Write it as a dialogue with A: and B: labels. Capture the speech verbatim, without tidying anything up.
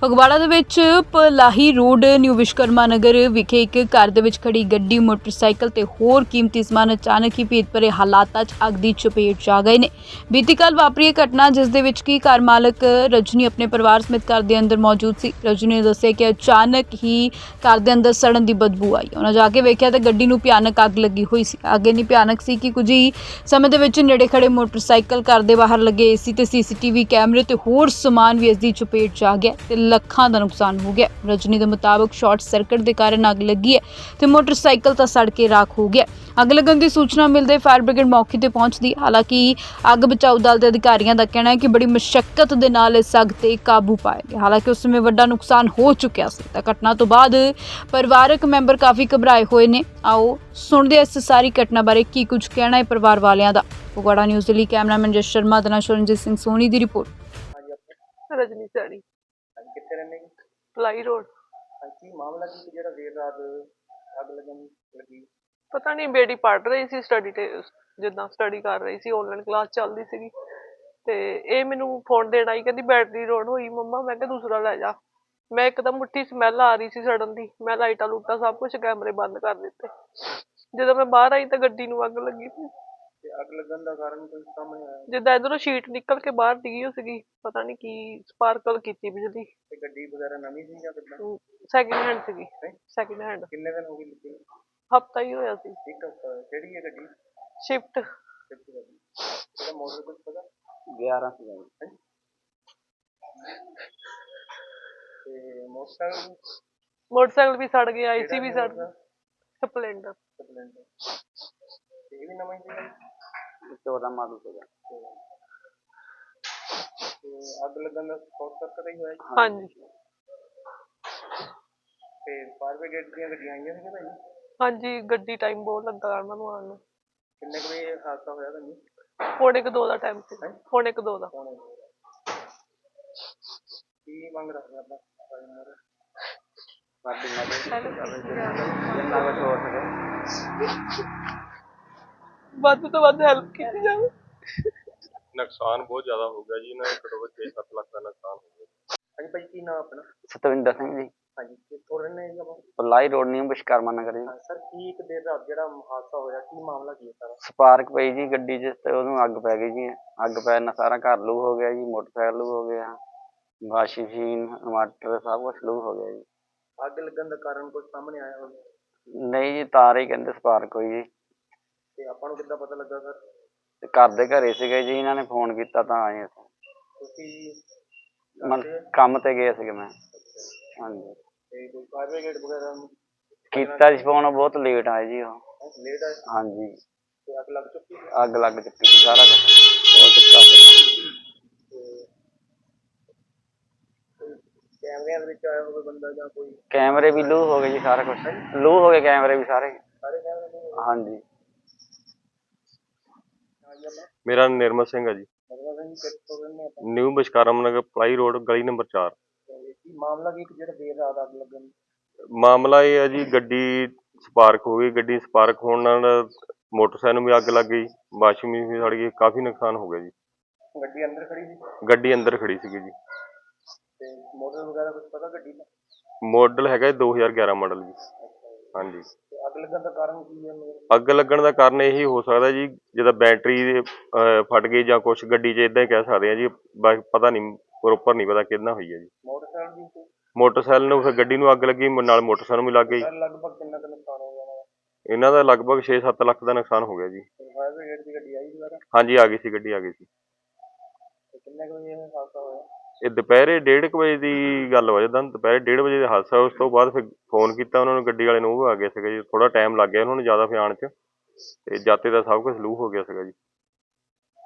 A: ਫਗਵਾੜਾ ਦੇ ਵਿੱਚ Palahi road new Vishwakarma Nagar ਵਿਖੇ ਇੱਕ ਘਰ ਦੇ ਵਿੱਚ ਖੜੀ ਗੱਡੀ, ਮੋਟਰਸਾਈਕਲ ਤੇ ਹੋਰ ਕੀਮਤੀ ਸਮਾਨ ਅਚਾਨਕ ਹੀ ਭੇਤ ਭਰੇ ਹਾਲਾਤਾਂ 'ਚ ਅੱਗ ਦੀ ਚਪੇਟ 'ਚ ਆ ਗਏ ਨੇ। ਬੀਤੀ ਕੱਲ੍ਹ ਵਾਪਰੀ ਇਹ ਘਟਨਾ, ਜਿਸ ਦੇ ਵਿੱਚ ਕੀ ਘਰ ਮਾਲਕ ਰਜਨੀ ਆਪਣੇ ਪਰਿਵਾਰ ਸਮੇਤ ਘਰ ਦੇ ਅੰਦਰ ਮੌਜੂਦ ਸੀ। ਰਜਨੀ ਨੇ ਦੱਸਿਆ ਕਿ ਅਚਾਨਕ ਹੀ ਘਰ ਦੇ ਅੰਦਰ ਸੜਨ ਦੀ ਬਦਬੂ ਆਈ। ਉਹਨਾਂ ਜਾ ਕੇ ਵੇਖਿਆ ਤਾਂ ਗੱਡੀ ਨੂੰ ਭਿਆਨਕ ਅੱਗ ਲੱਗੀ ਹੋਈ ਸੀ। ਅੱਗ ਇੰਨੀ ਭਿਆਨਕ ਸੀ ਕਿ ਕੁਝ ਹੀ ਸਮੇਂ ਦੇ ਵਿੱਚ ਨੇੜੇ ਖੜੇ ਮੋਟਰਸਾਈਕਲ, ਘਰ ਦੇ ਬਾਹਰ ਲੱਗੇ ਏਸੀ ਤੇ ਸੀਸੀਟੀਵੀ ਕੈਮਰੇ ਤੇ ਹੋਰ ਸਮਾਨ ਵੀ ਇਸ ਦੀ ਚਪੇਟ 'ਚ ਆ ਗਿਆ ਤੇ ਲੱਖਾਂ ਦਾ ਨੁਕਸਾਨ ਹੋ ਗਿਆ। ਰਜਨੀ ਦੇ ਮੁਤਾਬਕ ਸ਼ਾਰਟ ਸਰਕਟ ਦੇ ਕਾਰਨ ਅੱਗ ਲੱਗੀ ਹੈ ਤੇ ਮੋਟਰਸਾਈਕਲ ਤਾਂ ਸੜ ਕੇ ਰਾਖ ਹੋ ਗਿਆ। ਅੱਗ ਲੱਗਣ ਦੀ ਸੂਚਨਾ ਮਿਲਦੇ ਫਾਇਰ ਬ੍ਰਿਗੇਡ ਮੌਕੇ ਤੇ ਪਹੁੰਚਦੀ। ਹਾਲਾਂਕਿ ਅੱਗ ਬਚਾਊ ਦਲ ਦੇ ਅਧਿਕਾਰੀਆਂ ਦਾ ਕਹਿਣਾ ਹੈ ਕਿ ਬੜੀ ਮੁਸ਼ੱਕਤ ਦੇ ਨਾਲ ਇਸ ਅੱਗ ਤੇ ਕਾਬੂ ਪਾਇਆ ਗਿਆ। ਹਾਲਾਂਕਿ ਉਸ ਸਮੇਂ ਵੱਡਾ ਨੁਕਸਾਨ ਹੋ ਚੁੱਕਿਆ ਸੀ ਤਾਂ ਘਟਨਾ ਤੋਂ ਬਾਅਦ ਪਰਿਵਾਰਕ ਮੈਂਬਰ ਕਾਫੀ ਘਬਰਾਏ ਹੋਏ ਨੇ। ਆਓ ਸੁਣਦੇ ਹਾਂ ਇਸ ਸਾਰੀ ਘਟਨਾ ਬਾਰੇ ਕੀ ਕੁਝ ਕਹਿਣਾ ਹੈ ਪਰਿਵਾਰ ਵਾਲਿਆਂ ਦਾ। ਫਗਵਾੜਾ ਨਿਊਜ਼ ਦੇ ਲਈ ਕੈਮਰਾਮੈਨ ਜਸ ਸ਼ਰਮਾ ਦੇ ਨਾਲ ਸ਼ਰਨਜੀਤ ਸਿੰਘ ਸੋਨੀ ਦੀ ਰਿਪੋਰਟ।
B: ਰਜਨੀ ਸੈਣੀ
C: ਕਿੱਥੇ ਰਹਿੰਦੇ ਜੀ?
B: Ply road.
C: ਕੀ ਮਾਮਲਾ ਕੀ ਜਿਹੜਾ ਦੇਰ ਰਾਤ ਅੱਗ ਲੱਗਣ ਲੱਗੀ?
B: ਪਤਾ ਨਹੀਂ, ਬੇਟੀ ਪੜ੍ਹ ਰਹੀ ਸੀ, ਸਟੱਡੀ ਤੇ ਜਿੱਦਾਂ ਸਟੱਡੀ ਕਰ ਰਹੀ ਸੀ, ਆਨਲਾਈਨ ਕਲਾਸ ਚੱਲਦੀ ਸੀਗੀ ਤੇ ਇਹ ਮੈਨੂੰ ਫੋਨ ਦੇਣ ਆਈ, ਕਹਿੰਦੀ ਬੈਟਰੀ ਲੋਡ ਹੋਈ ਮੰਮਾ। ਮੈਂ ਕਿਹਾ ਦੂਸਰਾ ਲੈ ਜਾ। ਮੈਂ ਇੱਕਦਮ ਮੁੱਠੀ ਸਮੈਲ ਆ ਰਹੀ ਸੀ ਸੜਨ ਦੀ। ਮੈਂ ਲਾਈਟਾਂ ਲੂਟਾਂ ਸਭ ਕੁਛ ਕੈਮਰੇ ਬੰਦ ਕਰ ਦਿੱਤੇ। ਜਦੋਂ ਮੈਂ ਬਾਹਰ ਆਈ ਤਾਂ ਗੱਡੀ ਨੂੰ ਅੱਗ ਲੱਗੀ ਸੀ।
C: ਤੇ ਅੱਗ ਲੱਗਣ ਦਾ ਕਾਰਨ ਕੋਈ ਸਾਹਮਣੇ ਆਇਆ?
B: ਜਿੱਦਾਂ ਇਧਰੋਂ ਸ਼ੀਟ ਨਿਕਲ ਕੇ ਬਾਹਰ ਡਿੱਗੀ ਹੋਈ ਸੀਗੀ, ਪਤਾ ਨਹੀਂ ਕੀ ਸਪਾਰਕਲ ਕੀਤੀ ਬਿਜਲੀ।
C: ਤੇ ਗੱਡੀ ਵਗੈਰਾ ਨਵੀਂ ਸੀ ਜਾਂ ਕਿੱਦਾਂ?
B: ਸੈਕਿੰਡ ਹੈਂਡ ਸੀਗੀ। Second hand.
C: ਕਿੰਨੇ ਦਿਨ ਹੋ ਗਏ ਲਿੱਤੀ?
B: ਹਫ਼ਤਾ ਹੀ ਹੋਇਆ ਸੀ।
C: ਇੱਕ ਹਫ਼ਤਾ। ਕਿਹੜੀ ਹੈ ਗੱਡੀ?
B: ਸ਼ਿਫਟ।
C: ਸ਼ਿਫਟ ਗੱਡੀ। ਇਹਦਾ ਮਾਡਲ ਕੁਝ ਪਤਾ?
D: ਗਿਆਰਾਂ ਸੀ।
C: ਤੇ ਮੋਟਰਸਾਈਕਲ?
B: ਮੋਟਰਸਾਈਕਲ ਵੀ ਸੜ ਗਿਆ, ਏਸੀ ਵੀ ਸੜ ਗਿਆ। ਸਪਲੈਂਡਰ।
C: ਸਪਲੈਂਡਰ। ਤੇ ਇਹ ਵੀ ਨਵਾਂ ਹੀ ਸੀਗਾ?
D: ਚੌਦਾਂ ਮਾਡਲ ਸੀਗਾ।
C: ਤੇ ਅੱਗ ਲੱਗਣ ਦਾ ਸ਼ਾਰਟ ਸਰਕਟ ਹੀ ਹੋਇਆ ਜੀ?
B: ਹਾਂਜੀ।
C: ਤੇ ਫਾਇਰ ਬ੍ਰਿਗੇਡ ਦੀਆਂ ਗੱਡੀਆਂ ਆਈਆਂ ਸੀਗੀਆਂ ਭਾਈ?
B: ਹਾਂਜੀ, ਗੱਡੀ ਟਾਈਮ ਬਹੁਤ ਲੱਗਾ ਉਹਨਾਂ ਨੂੰ ਆਉਣ ਨੂੰ।
C: ਕਿੰਨੇ ਕੁ ਵਜੇ ਹਾਦਸਾ ਹੋਇਆ ਤੁਹਾਨੂੰ?
B: ਪੌਣੇ ਕੁ ਦੋ ਦਾ ਟਾਈਮ ਸੀ। ਪੌਣੇ ਕੁ ਦੋ ਦਾ।
C: ਕੀ ਮੰਗ ਰੱਖਦੇ ਆਪਾਂ?
D: ਜਿੰਨਾ ਕੁਝ ਹੋ ਸਕੇ
B: ਵੱਧ ਤੋਂ ਵੱਧ ਹੈਲਪ ਕੀਤੀ ਜਾਵੇ।
E: ਨੁਕਸਾਨ ਬਹੁਤ ਜ਼ਿਆਦਾ ਹੋ ਗਿਆ ਜੀ, ਇਹਨਾਂ ਦਾ ਘੱਟੋ ਘੱਟ ਛੇ ਸੱਤ ਲੱਖ ਦਾ ਨੁਕਸਾਨ ਹੋ ਗਿਆ।
C: ਹਾਂਜੀ ਭਾਈ, ਕੀ ਨਾਮ ਆਪਣਾ?
D: ਸਤਵਿੰਦਰ ਸਿੰਘ ਜੀ,
C: ਹਾਂਜੀ, ਕਿੱਥੋਂ ਰਹਿੰਦੇ ਜੀ ਆਪਾਂ?
D: ਪਲਾਈ ਰੋਡ ਨਿਊ ਵਿਸ਼ਕਰਮਾ ਨਗਰ ਜੀ।
C: ਸਰ, ਕੀ ਇੱਕ ਦੇਰ ਰਾਤ ਜਿਹੜਾ ਹਾਦਸਾ ਹੋਇਆ, ਕੀ ਮਾਮਲਾ ਕੀ ਹੈ ਸਾਰਾ?
D: ਸਪਾਰਕ ਪਈ ਜੀ ਗੱਡੀ 'ਚ ਤੇ ਉਹਨੂੰ ਅੱਗ ਪੈ ਗਈ ਜੀ। ਅੱਗ ਪੈਣ ਨਾਲ ਸਾਰਾ ਘਰ ਲੂ ਹੋ ਗਿਆ ਜੀ, ਮੋਟਰਸਾਈਕਲ ਲੂ ਹੋ ਗਿਆ, ਵਾਸ਼ਿੰਗ ਮਸ਼ੀਨ, ਇਨਵਰਟਰ ਸਭ ਕੁਛ ਲੂ ਹੋ ਗਿਆ ਜੀ।
C: ਅੱਗ ਲੱਗਣ ਦਾ ਕਾਰਨ ਕੁਝ ਸਾਹਮਣੇ ਆਇਆ ਹੋਵੇ?
D: ਨਹੀਂ ਜੀ, ਤਾਰ ਹੀ ਕਹਿੰਦੇ ਸਪਾਰਕ ਹੋਈ ਜੀ।
C: ਤੇ ਆਪਾਂ ਨੂੰ ਕਿੱਦਾਂ ਪਤਾ ਲੱਗਾ ਸਰ?
D: ਤੇ ਘਰ ਦੇ ਘਰੇ ਸੀਗੇ ਜੀ, ਇਹਨਾਂ ਨੇ ਫੋਨ ਕੀਤਾ ਤਾਂ ਆਏ ਅਸੀਂ।
C: ਤੁਸੀਂ
D: ਮੈਂ ਕੰਮ ਤੇ ਗਿਆ ਸੀਗਾ ਮੈਂ। ਹਾਂਜੀ।
C: ਤੇ ਕੋਈ ਫਾਇਰ ਬ੍ਰਿਗੇਡ ਵਗੈਰਾ ਨੂੰ
D: ਕੀਤਾ ਜੀ ਫੋਨ, ਬਹੁਤ ਲੇਟ ਆਏ ਜੀ ਉਹ।
C: ਲੇਟ ਆਏ?
D: ਹਾਂਜੀ।
C: ਤੇ ਅੱਗ ਲੱਗ ਚੁੱਕੀ?
D: ਅੱਗ ਲੱਗ ਚੁੱਕੀ ਸੀ, ਸਾਰਾ ਕੁਛ ਹੋ ਚੁੱਕਾ ਸੀ।
C: ਕੈਮਰਿਆਂ ਦੇ ਵਿੱਚ ਆਇਆ ਹੋਵੇ ਬੰਦਾ ਜਾਂ ਕੋਈ?
D: ਕੈਮਰੇ ਵੀ ਲੂ ਹੋ ਗਏ ਜੀ, ਸਾਰਾ ਕੁਛ ਲੂ ਹੋ ਗਏ ਕੈਮਰੇ ਵੀ ਸਾਰੇ।
C: ਸਾਰੇ ਕੈਮਰੇ?
D: ਹਾਂਜੀ।
E: ਮੇਰਾ ਨਾਮ ਨਿਰਮਲ ਸਿੰਘ ਹੈ ਜੀ, ਨਿਊ ਵਿਸ਼ਕਰਮਾ ਨਗਰ ਪਲਾਈ ਰੋਡ ਗਲੀ ਨੰਬਰ ਚਾਰ।
C: ਕੀ ਮਾਮਲਾ ਕੀ ਜਿਹੜਾ ਦੇਰ ਰਾਤ ਅੱਗ ਲੱਗਣ?
E: ਮਾਮਲਾ ਇਹ ਹੈ ਜੀ, ਗੱਡੀ ਸਪਾਰਕ ਹੋ ਗਈ। ਗੱਡੀ ਸਪਾਰਕ ਹੋਣ ਨਾਲ ਮੋਟਰਸਾਈਕਲ ਨੂੰ ਵੀ ਅੱਗ ਲੱਗ ਗਈ, ਵਾਸ਼ਿੰਗ ਮਸ਼ੀਨ ਵੀ ਸੜ ਗਈ, ਕਾਫੀ ਨੁਕਸਾਨ ਹੋ ਗਿਆ ਜੀ।
C: ਗੱਡੀ ਅੰਦਰ ਖੜੀ ਸੀ?
E: ਗੱਡੀ ਅੰਦਰ ਖੜੀ ਸੀਗੀ ਜੀ।
C: ਤੇ ਮਾਡਲ ਵਗੈਰਾ ਕੁਝ ਪਤਾ ਗੱਡੀ ਦਾ?
E: ਮਾਡਲ ਹੈਗਾ ਦੋ ਹਜ਼ਾਰ ਗਿਆਰਾਂ ਮਾਡਲ ਜੀ। ਹਾਂਜੀ।
C: ਤੇ ਅੱਗ ਲੱਗਣ ਦਾ ਕਾਰਨ ਕੀ ਹੈ?
E: ਅੱਗ ਲੱਗਣ ਦਾ ਕਾਰਨ ਇਹੀ ਹੋ ਸਕਦਾ ਜੀ, ਜਿੱਦਾਂ ਬੈਟਰੀ ਫਟ ਗਈ ਜਾਂ ਕੁਛ ਗੱਡੀ 'ਚ, ਇੱਦਾਂ ਹੀ ਕਹਿ ਸਕਦੇ ਹਾਂ ਜੀ। ਪਤਾ ਨਹੀਂ, ਪ੍ਰੋਪਰ ਨਹੀਂ ਪਤਾ ਕਿਹਦੇ ਨਾਲ ਹੋਈ ਹੈ ਜੀ।
C: ਮੋਟਰਸਾਈਕਲ ਦੀ?
E: ਮੋਟਰਸਾਈਕਲ ਨੂੰ ਫਿਰ ਗੱਡੀ ਨੂੰ ਅੱਗ ਲੱਗੀ, ਨਾਲ ਮੋਟਰਸਾਈਕਲ ਨੂੰ ਵੀ ਲੱਗ ਗਈ।
C: ਲਗਭਗ ਕਿੰਨਾ ਕੁ ਨੁਕਸਾਨ ਹੋ ਗਿਆ?
E: ਇਹਨਾਂ ਦਾ ਲਗਭਗ ਛੇ ਸੱਤ ਲੱਖ ਦਾ ਨੁਕਸਾਨ ਹੋ ਗਿਆ ਜੀ।
C: ਫਾਇਰ ਬ੍ਰਿਗੇਡ ਦੀ ਗੱਡੀ ਆਈ ਦੁਬਾਰਾ?
E: ਹਾਂਜੀ, ਆ ਗਈ ਸੀ, ਗੱਡੀ ਆ ਗਈ ਸੀ।
C: ਕਿੰਨੇ ਕੁ ਵਜੇ ਹਾਦਸਾ ਹੋਇਆ?
E: ਇਹ ਦੁਪਹਿਰੇ ਡੇਢ ਕੁ ਵਜੇ ਦੀ ਗੱਲ ਹੋ ਜਾਂਦਾ, ਦੁਪਹਿਰੇ ਡੇਢ ਵਜੇ ਦਾ ਹਾਦਸਾ। ਉਸ ਤੋਂ ਬਾਅਦ ਫਿਰ ਫੋਨ ਕੀਤਾ ਉਹਨਾਂ ਨੂੰ, ਗੱਡੀ ਵਾਲੇ ਨੂੰ, ਉਹ ਆ ਗਏ ਸੀਗੇ ਜੀ। ਥੋੜਾ ਟਾਈਮ ਲੱਗ ਗਿਆ ਉਹਨਾਂ ਨੂੰ ਜ਼ਿਆਦਾ ਫਿਰ ਆਉਣ 'ਚ, ਤੇ ਜਾਤੇ ਦਾ ਸਭ ਕੁਛ ਲੂ ਹੋ ਗਿਆ ਸੀਗਾ ਜੀ।